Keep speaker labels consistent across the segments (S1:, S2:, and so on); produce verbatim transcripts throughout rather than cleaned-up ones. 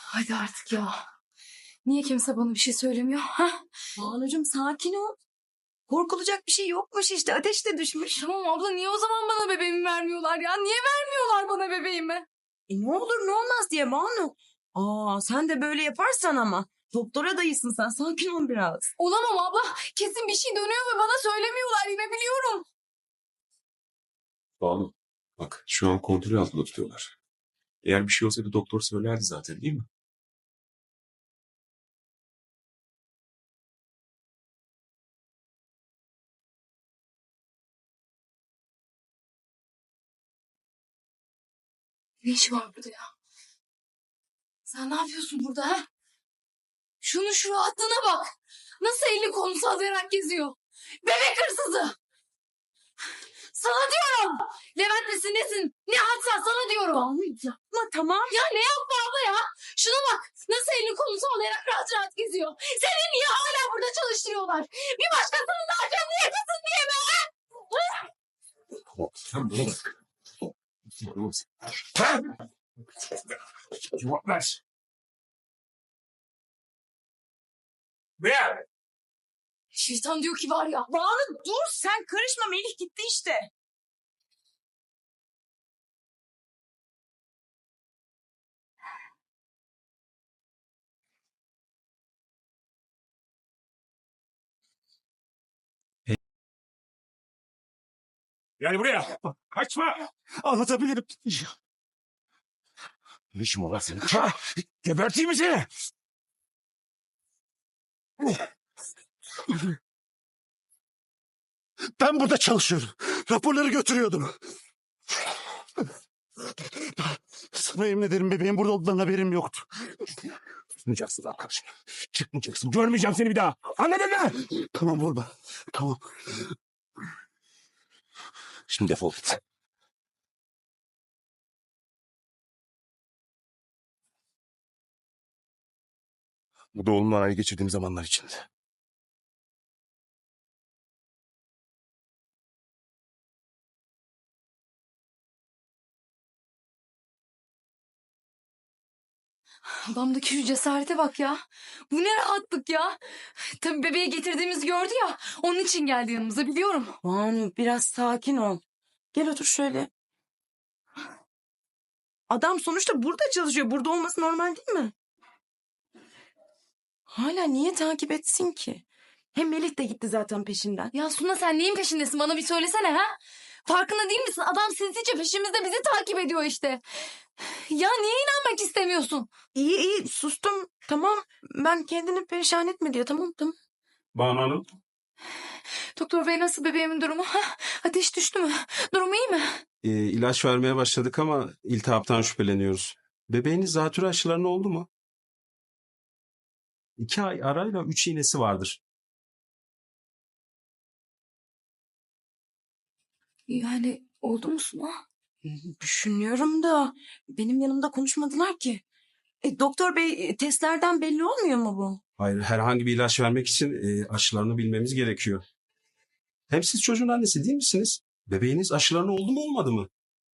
S1: Hadi artık ya. Niye kimse bana bir şey söylemiyor? Ha?
S2: Banucuğum sakin ol. Korkulacak bir şey yokmuş işte. Ateş de düşmüş.
S1: Tamam abla, niye o zaman bana bebeğimi vermiyorlar ya? Niye vermiyorlar bana bebeğimi?
S2: E ne olur ne olmaz diye Banu. Aa sen de böyle yaparsan ama. Doktora dayısın sen. Sakin ol biraz.
S1: Olamam abla. Kesin bir şey dönüyor ve bana söylemiyorlar, yine biliyorum.
S3: Banu, bak şu an kontrol altında tutuyorlar. Eğer bir şey olsaydı doktor söylerdi zaten, değil mi?
S1: Ne işi var burada ya? Sen ne yapıyorsun burada ha? Şunu şu rahatlığına bak. Nasıl elini kolunu sallayarak geziyor. Bebek hırsızı. Sana diyorum. Levent nesin nesin? Ne hadsen sana diyorum.
S2: Banu yapma tamam.
S1: Ya ne yapma abla ya? Şuna bak. Nasıl elini kolunu sallayarak rahat rahat geziyor. Seni niye hala burada çalıştırıyorlar? Bir başkasının daha canını yakasın diye mi?
S3: Sen bana bak. Bana bak. Cevap ver. Ver.
S1: Şeytan diyor ki var ya.
S2: Banu dur sen karışma. Melih gitti işte.
S3: Yani buraya. Kaçma.
S4: Anlatabilirim.
S3: Ne işin var lan senin? Ha, geberteyim mi seni?
S4: Ben burada çalışıyorum. Raporları götürüyordum. Sana yemin ederim bebeğin burada olduğundan haberim yoktu.
S3: Çıkmayacaksın lan karşıma. Çıkmayacaksın. Görmeyeceğim seni bir daha. Anladın mı?
S4: Tamam vurma. Tamam.
S3: Şimdi defol git.
S4: Bu da oğlumla aynı geçirdiğim zamanlar içinde.
S1: Adamdaki şu cesarete bak ya. Bu ne rahatlık ya. Tabii bebeği getirdiğimizi gördü ya. Onun için geldi yanımıza, biliyorum.
S2: Banu biraz sakin ol. Gel otur şöyle. Adam sonuçta burada çalışıyor. Burada olması normal değil mi? Hala niye takip etsin ki? Hem Melih de gitti zaten peşinden.
S1: Ya Suna, sen neyin peşindesin, bana bir söylesene ha? Farkında değil misin? Adam sinsice peşimizde, bizi takip ediyor işte. Ya niye inanmak istemiyorsun?
S2: İyi iyi sustum. Tamam ben kendini perişan etme diye. Tamam tamam.
S3: Banu Hanım.
S1: Doktor bey, nasıl bebeğimin durumu? Ha? Ateş düştü mü? Durumu iyi mi?
S5: E, ilaç vermeye başladık ama iltihaptan şüpheleniyoruz. Bebeğiniz zatürre aşılarına oldu mu? İki ay arayla üç iğnesi vardır.
S1: Yani oldu mu Suna?
S2: Düşünüyorum da benim yanımda konuşmadılar ki. E, doktor bey testlerden belli olmuyor mu bu?
S5: Hayır, herhangi bir ilaç vermek için e, aşılarını bilmemiz gerekiyor. Hem siz çocuğun annesi değil misiniz? Bebeğiniz aşılarına oldu mu olmadı mı?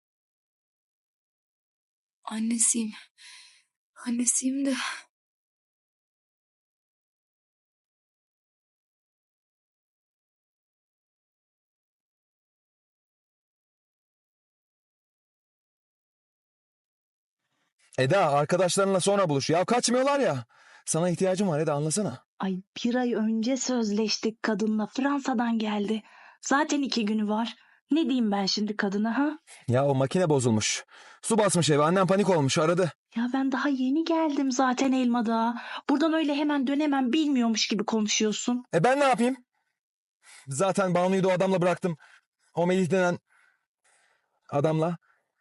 S1: Annesiyim. Annesiyim de.
S6: Eda, arkadaşlarınla sonra buluş. Ya kaçmıyorlar ya. Sana ihtiyacım var Eda, anlasana.
S7: Ay bir ay önce sözleştik kadınla. Fransa'dan geldi. Zaten iki günü var. Ne diyeyim ben şimdi kadına ha?
S6: Ya o makine bozulmuş. Su basmış eve, annem panik olmuş, aradı.
S7: Ya ben daha yeni geldim zaten Elmadağ'a. Buradan öyle hemen dönemem bilmiyormuş gibi konuşuyorsun.
S6: E ben ne yapayım? Zaten Banu'yu da o adamla bıraktım. O Melih denen adamla.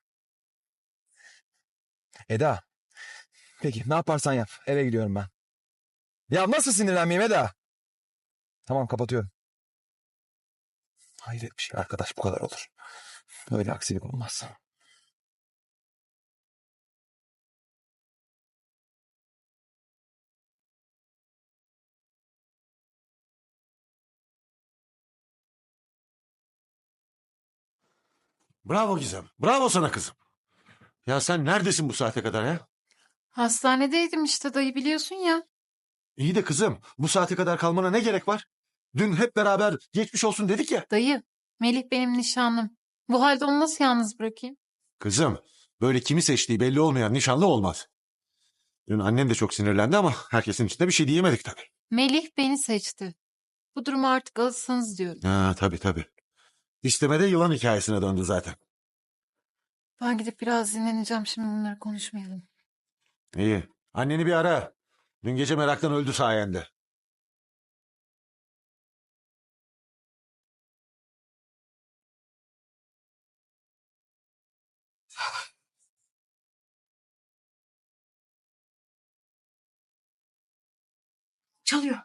S6: Eda. Peki ne yaparsan yap. Eve gidiyorum ben. Ya nasıl sinirlenmeyeyim Eda? Tamam, kapatıyorum. Hayret bir şey arkadaş, bu kadar olur. Böyle aksilik olmaz.
S4: Bravo Gizem. Bravo sana kızım. Ya sen neredesin bu saate kadar ya?
S8: Hastanedeydim işte dayı biliyorsun ya.
S4: İyi de kızım bu saate kadar kalmana ne gerek var? Dün hep beraber geçmiş olsun dedik ya.
S8: Dayı, Melih benim nişanlım. Bu halde onu nasıl yalnız bırakayım?
S4: Kızım böyle kimi seçtiği belli olmayan nişanlı olmaz. Dün annem de çok sinirlendi ama herkesin içinde bir şey diyemedik tabii.
S8: Melih beni seçti. Bu duruma artık alışsanız diyorum.
S4: Ha tabii tabii. İstemede yılan hikayesine döndü zaten.
S8: Ben gidip biraz dinleneceğim, şimdi bunları konuşmayalım.
S4: İyi. Anneni bir ara. Dün gece meraktan öldü sayende.
S1: Çalıyor.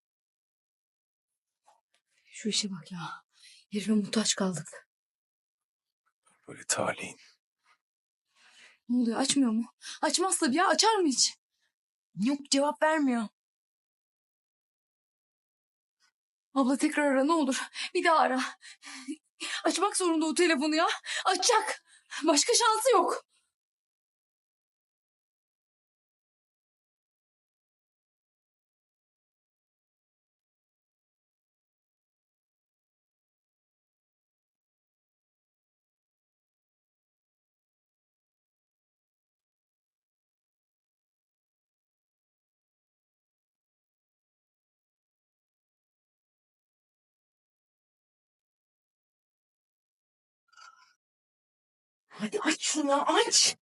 S1: Şu işe bak ya. Herife muhtaç kaldık.
S3: Böyle talihin.
S1: Ne oluyor, açmıyor mu? Açmaz tabii ya, açar mı hiç?
S2: Yok, cevap vermiyor.
S1: Abla tekrar ara ne olur. Bir daha ara. Açmak zorunda o telefonu ya. Açacak. Başka şansı yok.
S2: Hadi aç şunu ya, aç.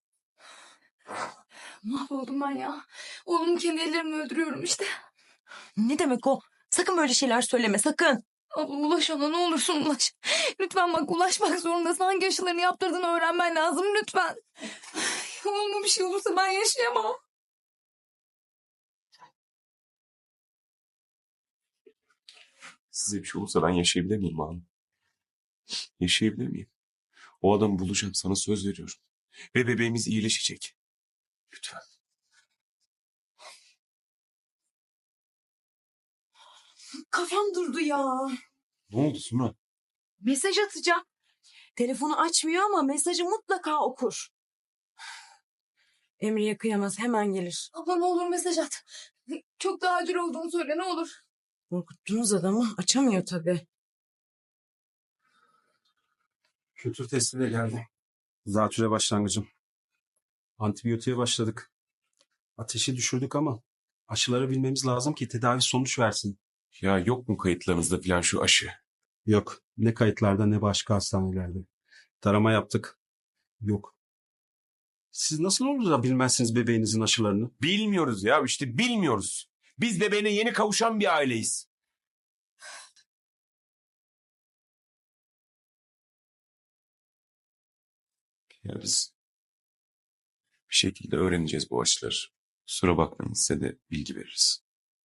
S1: Mahvoldum ben ya. Oğlumu kendi ellerimle öldürüyorum işte.
S2: Ne demek o? Sakın böyle şeyler söyleme, sakın.
S1: Abla ulaş ona, ne olursun ulaş. Lütfen bak, ulaşmak zorundasın. Hangi aşılarını yaptırdığını öğrenmen lazım lütfen. Oğluma bir şey olursa ben yaşayamam.
S3: Size bir şey olursa ben yaşayabilir miyim abi? Yaşayabilir miyim? O adamı bulacağım, sana söz veriyorum. Ve bebeğimiz iyileşecek. Lütfen.
S2: Kafam durdu ya.
S3: Ne oldu Suna?
S2: Mesaj atacağım. Telefonu açmıyor ama mesajı mutlaka okur. Emre'ye kıyamaz, hemen gelir.
S1: Abla ne olur mesaj at. Çok daha acil olduğunu söyle ne olur.
S2: Korkuttunuz adamı, açamıyor tabii.
S5: Kültür testi de geldi. Zatüre başlangıcım. Antibiyotiğe başladık. Ateşi düşürdük ama aşıları bilmemiz lazım ki tedavi sonuç versin.
S3: Ya yok mu kayıtlarınızda falan şu aşı?
S5: Yok. Ne kayıtlarda ne başka hastanelerde. Tarama yaptık. Yok. Siz nasıl olur da bilmezsiniz bebeğinizin aşılarını?
S3: Bilmiyoruz ya, işte bilmiyoruz. Biz bebeğine yeni kavuşan bir aileyiz. Ya biz bir şekilde öğreneceğiz bu aşıları. Kusura bakmayın, size de bilgi veririz.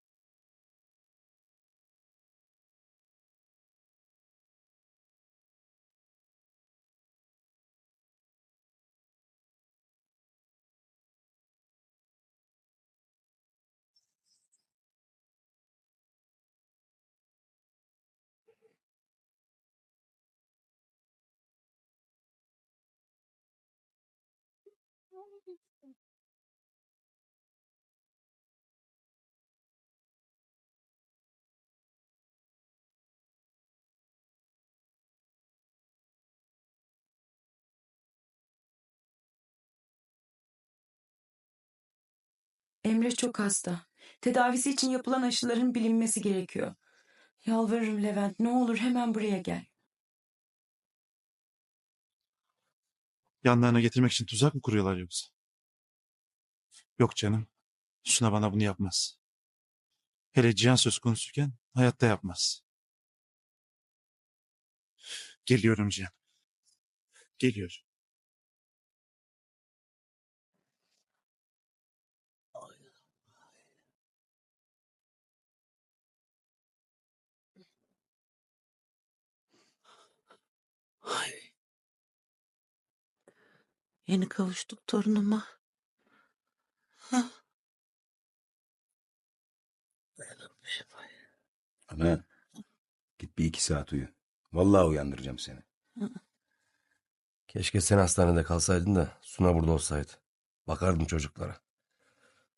S2: Emre çok hasta. Tedavisi için yapılan aşıların bilinmesi gerekiyor. Yalvarırım Levent, ne olur hemen buraya gel.
S4: Yanlarına getirmek için tuzak mı kuruyorlar yoksa? Yok canım. Suna bana bunu yapmaz. Hele Cihan söz konusuyken hayatta yapmaz. Geliyorum Cihan. Geliyorum.
S2: Yeni kavuştuk torunuma.
S9: Ana git bir iki saat uyu. Vallahi uyandıracağım seni.
S6: Keşke sen hastanede kalsaydın da Suna burada olsaydı. Bakardım çocuklara.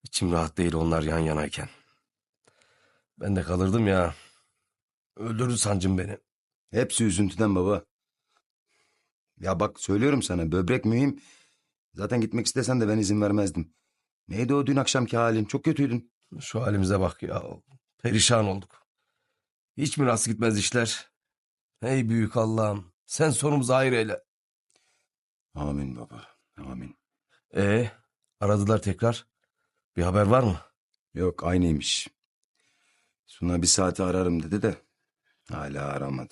S10: İçim rahat değil onlar yan yanayken. Ben de kalırdım ya. Öldürdü sancım beni.
S9: Hepsi üzüntüden baba. Ya bak söylüyorum sana böbrek mühim. Zaten gitmek istesen de ben izin vermezdim. Neydi o dün akşamki halin? Çok kötüydün.
S10: Şu halimize bak ya. Perişan olduk. Hiç mi rast gitmez işler? Ey büyük Allah'ım. Sen sonumuzu hayır eyle.
S9: Amin baba. Amin.
S10: Ee, aradılar tekrar. Bir haber var mı?
S9: Yok aynıymış. Suna bir saate ararım dedi de hala aramadı.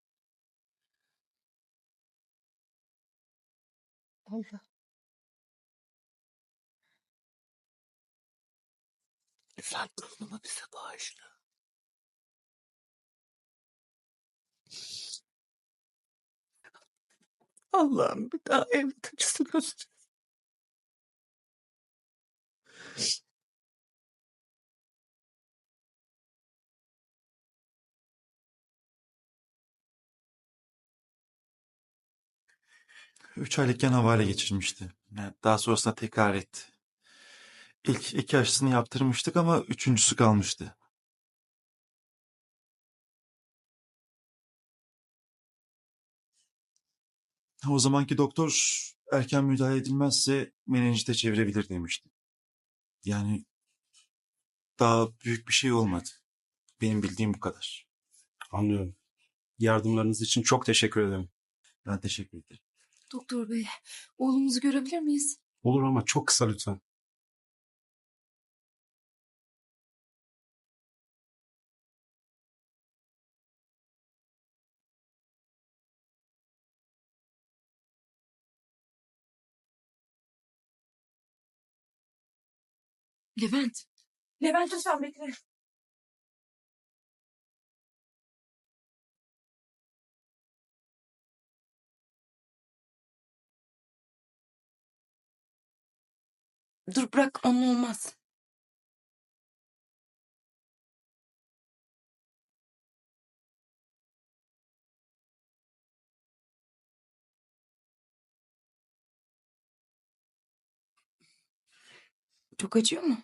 S8: Allah.
S10: Sen torunumu bize bağışla. Allah'ım bir daha evlat acısı göster.
S4: Üç aylıkken havale geçirmişti. Yani daha sonrasında tekrar etti. İlk iki aşısını yaptırmıştık ama üçüncüsü kalmıştı. O zamanki doktor erken müdahale edilmezse menenjite çevirebilir demişti. Yani daha büyük bir şey olmadı. Benim bildiğim bu kadar.
S5: Anlıyorum. Yardımlarınız için çok teşekkür ederim.
S4: Ben teşekkür ederim.
S1: Doktor bey, oğlumuzu görebilir miyiz?
S5: Olur ama çok kısa lütfen.
S1: Levent. Levent lütfen bekle.
S2: Dur bırak onun olmaz. Çok acıyor mu?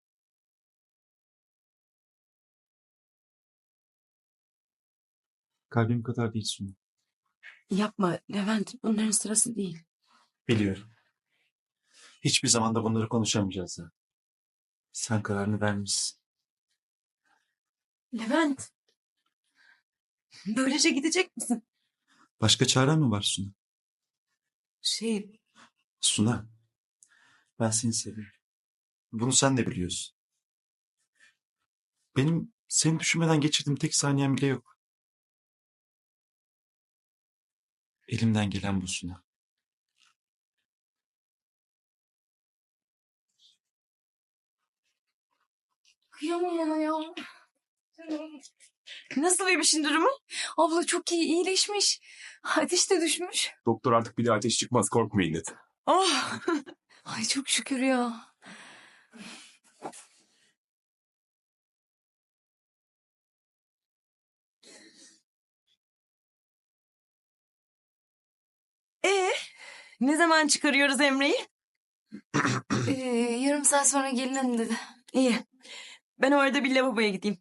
S4: Kalbim kadar değil Sunu.
S2: Yapma Levent, bunların sırası değil.
S4: Biliyorum. Hiçbir zaman da bunları konuşamayacağız ha. Sen kararını vermişsin.
S2: Levent, böylece gidecek misin?
S4: Başka çaren mi var Suna?
S2: Şey,
S4: Suna, ben seni seviyorum. Bunu sen de biliyorsun. Benim seni düşünmeden geçirdiğim tek saniyem bile yok. Elimden gelen bu Suna.
S1: Kıyamam ona ya.
S2: nasıl bebişin durumu?
S1: Abla çok iyi, iyileşmiş. Ateş de düşmüş.
S3: Doktor artık bir daha ateş çıkmaz korkmayın dedi.
S2: Oh,
S1: Ay çok şükür ya.
S2: ee, ne zaman çıkarıyoruz Emre'yi?
S1: Ee, yarım saat sonra gelin hanım dedi.
S2: İyi, ben orada bir lavaboya gideyim.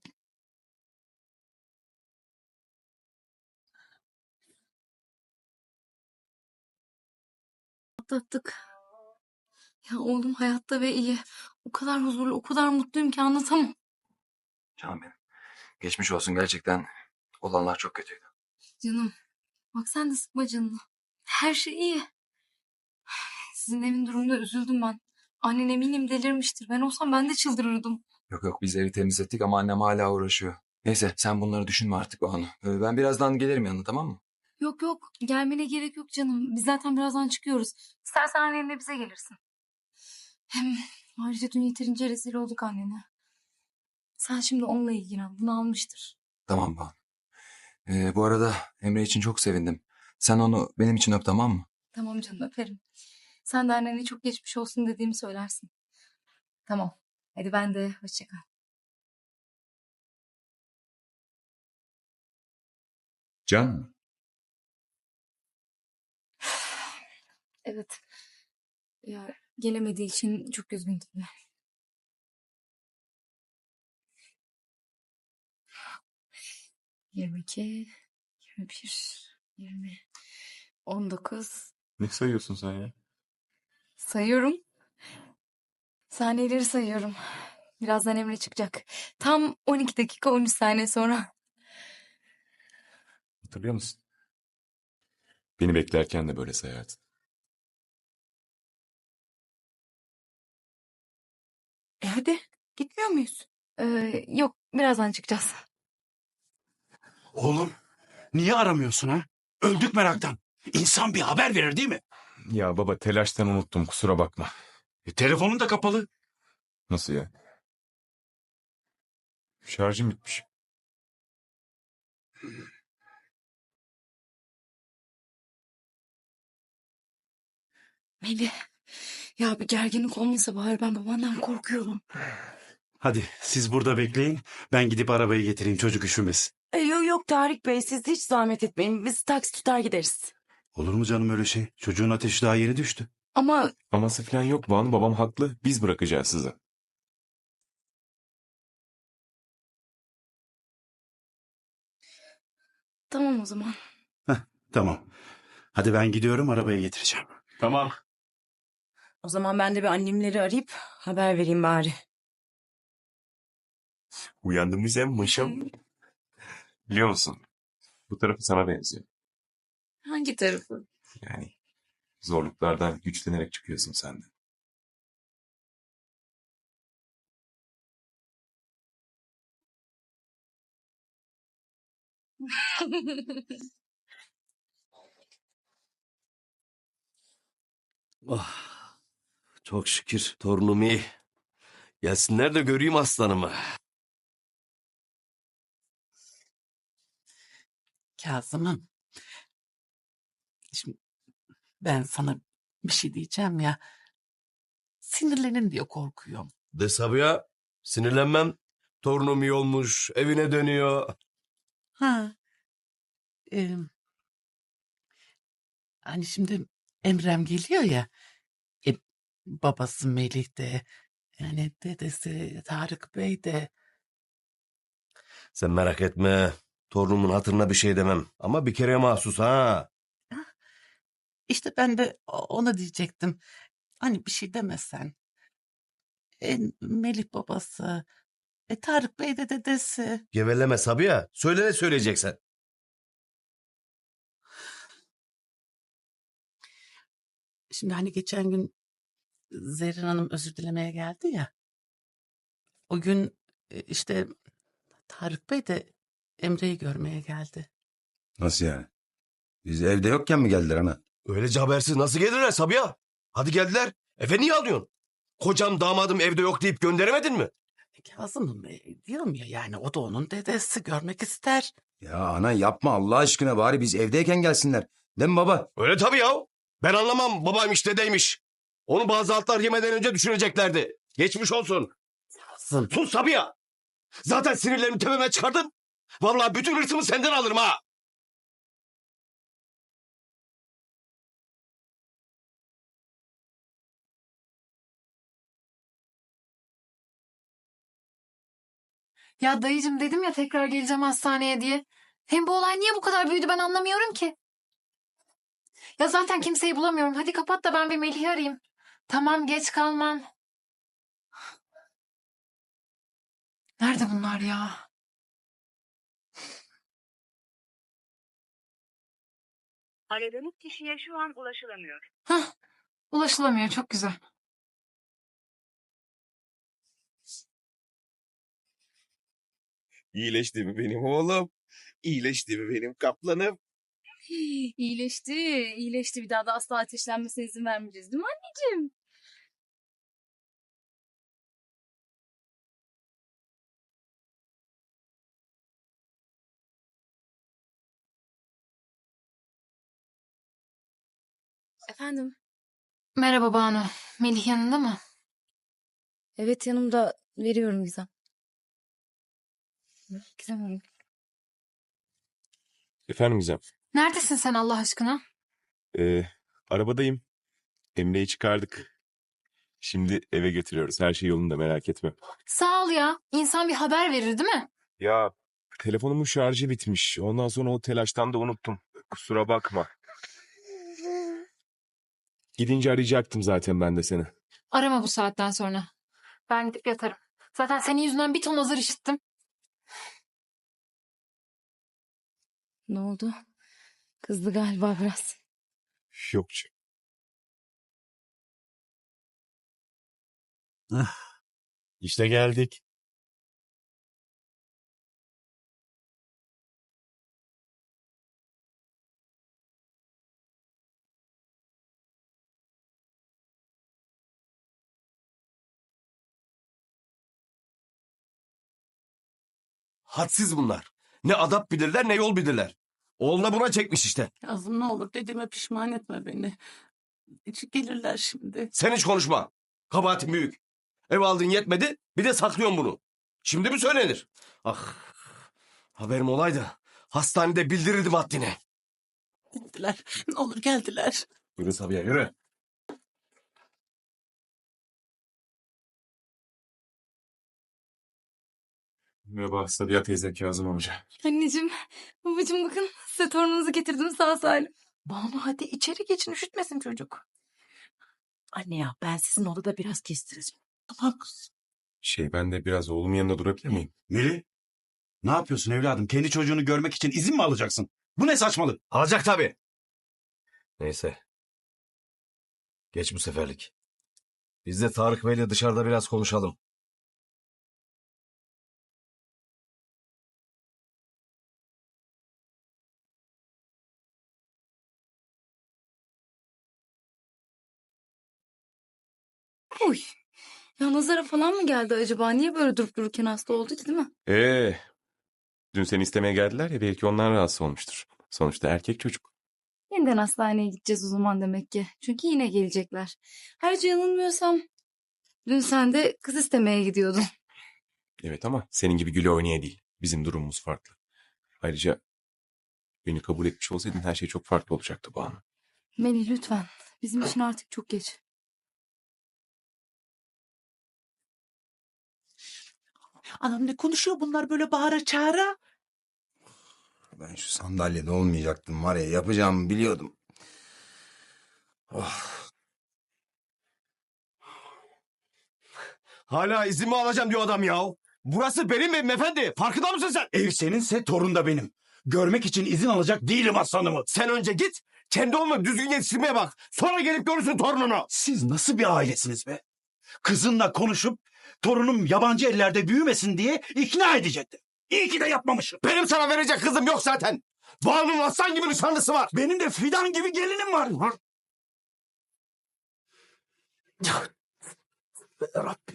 S1: Atlattık. Ya oğlum hayatta ve iyi. O kadar huzurlu, o kadar mutluyum ki anlatamam.
S6: Canım benim. Geçmiş olsun gerçekten. Olanlar çok kötüydü.
S1: Canım, bak sen de sıkma canını. Her şey iyi. Sizin evin durumunda üzüldüm ben. Annen eminim delirmiştir. Ben olsam ben de çıldırırdım.
S6: Yok yok biz evi temizlettik ama annem hala uğraşıyor. Neyse sen bunları düşünme artık o anı. Ee, Ben birazdan gelirim yanına tamam mı?
S1: Yok yok, gelmene gerek yok canım. Biz zaten birazdan çıkıyoruz. İstersen annenle bize gelirsin. Hem ayrıca dün yeterince rezil olduk annene. Sen şimdi onunla ilgilen. Bunu almıştır.
S6: Tamam Banu. Ee, bu arada Emre için çok sevindim. Sen onu benim için öp tamam mı?
S1: Tamam canım öperim. Sen de annene çok geçmiş olsun dediğimi söylersin. Tamam. Hadi ben de hoşça kal.
S3: Can mı?
S1: Evet. Ya gelemediği için çok üzgün tabii. yirmi iki, yirmi bir, yirmi, on dokuz.
S3: Ne sayıyorsun sen ya?
S1: Sayıyorum. Saniyeleri sayıyorum. Birazdan Emre çıkacak. Tam on iki dakika on üç saniye sonra.
S3: Hatırlıyor musun? Beni beklerken de böyle sayardın.
S1: E hadi gitmiyor muyuz? Ee, yok birazdan çıkacağız.
S11: Oğlum, niye aramıyorsun ha? Öldük meraktan. İnsan bir haber verir değil mi?
S3: Ya baba telaştan unuttum kusura bakma.
S11: E, telefonun da kapalı.
S3: Nasıl ya? Şarjım bitmiş.
S1: Melih. Ya bir gerginlik olmasa bari ben babandan korkuyorum.
S11: Hadi siz burada bekleyin. Ben gidip arabayı getireyim, çocuk üşümesin.
S2: E, yok yok Tarık Bey, siz hiç zahmet etmeyin. Biz taksi tutar gideriz.
S11: Olur mu canım öyle şey? Çocuğun ateşi daha yeni düştü.
S1: Ama
S3: Aması falan yok Banu, babam haklı. Biz bırakacağız sizi.
S1: tamam o zaman.
S11: Tamam. Hadi ben gidiyorum, arabayı getireceğim.
S3: Tamam.
S2: O zaman ben de bir annemleri arayıp haber vereyim bari.
S3: Uyandın mı sen maşam? Biliyor musun? Bu tarafı sana benziyor.
S1: Hangi tarafı?
S3: Yani zorluklardan güçlenerek çıkıyorsun sen de.
S10: Oh, çok şükür torunum iyi. Gelsinler de göreyim aslanımı.
S12: Kazım'ım. Şimdi ben sana bir şey diyeceğim ya. Sinirlenin diye korkuyorum.
S10: De Sabiha, sinirlenmem. Torunum iyi olmuş, evine dönüyor.
S12: Ha. Ee, hani şimdi Emrem geliyor ya. E, babası Melih de. Yani dedesi Tarık Bey de.
S10: Sen merak etme. Torunumun hatırına bir şey demem. Ama bir kere mahsus ha.
S12: İşte ben de ona diyecektim. Hani bir şey demesen. E, Melih babası. E, Tarık Bey de dedesi.
S10: Geveleme Sabiha. Söyle ne söyleyeceksen.
S12: Şimdi hani geçen gün Zerrin Hanım özür dilemeye geldi ya. O gün e, işte Tarık Bey de Emre'yi görmeye geldi.
S9: Nasıl yani? Biz evde yokken mi geldiler ana?
S10: Öylece habersiz nasıl gelirler Sabiha? Hadi geldiler. Efe niye alıyorsun? Kocam damadım evde yok deyip gönderemedin mi?
S12: Kazım'ım e, diyorum ya yani o da onun dedesi görmek ister.
S9: Ya ana yapma Allah aşkına, bari biz evdeyken gelsinler. Değil mi baba?
S10: Öyle tabii ya. Ben anlamam babaymış dedeymiş. Onu bazı altlar yemeden önce düşüneceklerdi. Geçmiş olsun.
S12: Kazım.
S10: Sus Sabiha. Zaten sinirlerimi tepeme çıkardın. Vallahi bütün hırsımı senden alırım ha.
S8: Ya dayıcım dedim ya tekrar geleceğim hastaneye diye. Hem bu olay niye bu kadar büyüdü ben anlamıyorum ki. Ya zaten kimseyi bulamıyorum. Hadi kapat da ben bir Melih'i arayayım. Tamam geç kalmam. Nerede bunlar ya?
S13: Aradığınız kişiye şu an ulaşılamıyor.
S8: Hah, ulaşılamıyor çok güzel.
S3: İyileşti mi benim oğlum? İyileşti mi benim kaplanım?
S1: İyileşti, iyileşti. Bir daha da asla ateşlenmesine izin vermeyeceğiz değil mi anneciğim? Efendim?
S8: Merhaba Banu. Melih yanında mı?
S1: Evet yanımda, veriyorum Gizem. Gizem Hanım.
S3: Efendim Gizem.
S8: Neredesin sen Allah aşkına?
S3: Ee, arabadayım. Emre'yi çıkardık. Şimdi eve götürüyoruz. Her şey yolunda merak etme.
S8: Sağ ol ya. İnsan bir haber verir değil mi?
S3: Ya telefonumun şarjı bitmiş. Ondan sonra o telaştan da unuttum. Kusura bakma. Gidince arayacaktım zaten ben de seni.
S8: Arama bu saatten sonra. Ben gidip yatarım. Zaten senin yüzünden bir ton azar işittim.
S1: Ne oldu? Kızdı galiba biraz.
S3: Yok canım.
S11: İşte geldik.
S10: Hadsiz bunlar. Ne adap bilirler ne yol bilirler. Oğluna buna çekmiş işte.
S12: Yazım ne olur dediğime pişman etme beni. Hiç gelirler şimdi.
S10: Sen hiç konuşma. Kabahatin büyük. Ev aldın yetmedi bir de saklıyorsun bunu. Şimdi mi söylenir? Ah, haberim olaydı. Hastanede bildirirdim haddini.
S12: Geldiler. Ne olur geldiler.
S10: Yürü Sabiha yürü.
S3: Merhaba Sabiha teyze, Kazım amca.
S1: Anneciğim, babacığım bakın size torununuzu getirdim sağ salim.
S14: Banu hadi içeri geçin üşütmesin çocuk. Anne ya ben sizin odada biraz kestireceğim.
S12: Tamam kızım.
S3: Şey, ben de biraz oğlumun yanında durabilir miyim?
S11: Melih, ne yapıyorsun evladım? Kendi çocuğunu görmek için izin mi alacaksın? Bu ne saçmalık?
S10: Alacak tabii. Neyse. Geç bu seferlik. Biz de Tarık Bey'le dışarıda biraz konuşalım.
S1: Uy. Ya nazara falan mı geldi acaba? Niye böyle durup dururken hasta oldu ki değil mi?
S3: Ee, dün seni istemeye geldiler ya, belki onlar rahatsız olmuştur. Sonuçta erkek çocuk.
S1: Yeniden hastaneye gideceğiz o zaman demek ki. Çünkü yine gelecekler. Ayrıca yanılmıyorsam dün sen de kız istemeye gidiyordun.
S3: Evet ama senin gibi güle oynaya değil. Bizim durumumuz farklı. Ayrıca beni kabul etmiş olsaydın her şey çok farklı olacaktı Banu.
S1: Melih lütfen. Bizim için artık çok geç.
S11: Anam ne konuşuyor bunlar böyle bağıra çağıra?
S9: Ben şu sandalyede olmayacaktım var ya, yapacağımı biliyordum. Oh.
S10: Hala izin mi alacağım diyor adam ya. Burası benim evim efendi. Farkında mısın sen?
S11: Ev seninse torun da benim. Görmek için izin alacak değilim aslanımı.
S10: Sen önce git. Kendi oğlunu düzgün yetiştirmeye bak. Sonra gelip görürsün torununu.
S11: Siz nasıl bir ailesiniz be? Kızınla konuşup torunum yabancı ellerde büyümesin diye ikna edecekti. İyi ki de yapmamışım.
S10: Benim sana verecek kızım yok zaten. Banu'nun aslan gibi nişanlısı var.
S11: Benim de fidan gibi gelinim var. Rabbim.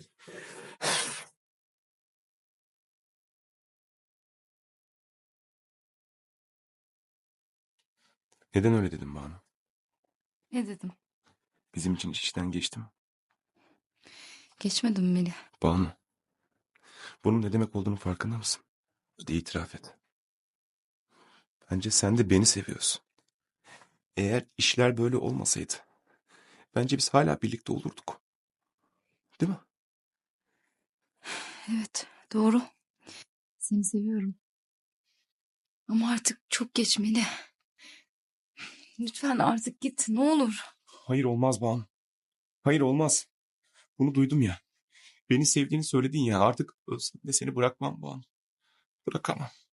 S3: Neden öyle dedim Banu?
S1: Ne dedim?
S3: Bizim için iş işten geçti mi?
S1: Geçmedim mi Melih?
S3: Banu, bunun ne demek olduğunu farkında mısın? Hadi itiraf et. Bence sen de beni seviyorsun. Eğer işler böyle olmasaydı, bence biz hala birlikte olurduk. Değil mi?
S1: Evet doğru. Seni seviyorum. Ama artık çok geç Melih. Lütfen artık git ne olur.
S3: Hayır olmaz Banu. Hayır olmaz. Bunu duydum ya. Beni sevdiğini söyledin ya. Artık ölsem de seni bırakmam Banu. Bırakamam.